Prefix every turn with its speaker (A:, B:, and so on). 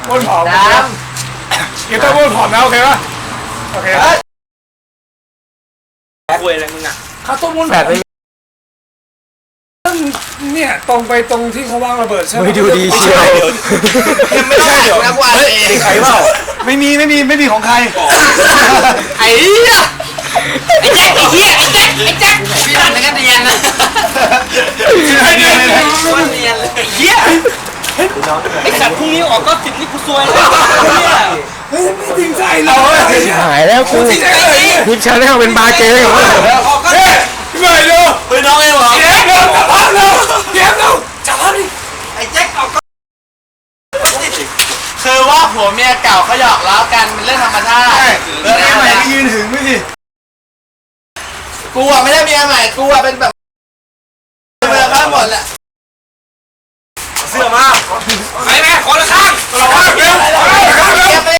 A: ม้วนผอม
B: ด
A: เกียร์ต้องม้วนผอมนะโอเคป่ะโอเค
B: คุยอะไรมึงอ่ะ
A: ข้าวต้มม้วนผอมเนี่ยตรงไปตรงที่เขาวางระเบิดใช่ไหม
C: ไม่ดูดีเชียว
B: ยังไม่ได้นะกว่าเอง
C: ใครเปล่าไม่มีของใคร
B: ไอ้เหี้ยไอ้แจ็คไอ้เหี้ยไอ้แจ็คพี่ดันแล้วก็เนียนนะว่าเนียนเลยไอ้เหี้ยไอ้สัตว์พรุ่งนี้ออกก็ติดนี่กูซวยเลยเนี่ย
A: เฮ้ยไม่จริงใจเลย
C: หายแล้วกู
A: จริงใจเลย
C: ทิปชาแนลเป็นบาร์เกย์ของเรา
B: ออกก็
A: เฮ้ยพี่ใหม่ดู
B: เป็นน้องเองเหรอ
A: เดี๋ยวเร็วจับภาพเร็วเดี๋ยวเร็วจับภาพดิ
B: ไอ้แจ็คออกก็คือว่าผัวเมียเก่าเขาหยอกล้อกันเป็นเรื่องธรรมชาติเรื่อง
C: เมีย
B: อะ
C: ให
B: ไร
C: ม่ไปยืนถึงไม่ดิ
B: กูอ่ะไม่ได้เมียใหม่กูอ่ะเป็นแบบเมียข้างหมดแหละ
A: เสื้อมา
B: ไปแม่คนละข้าง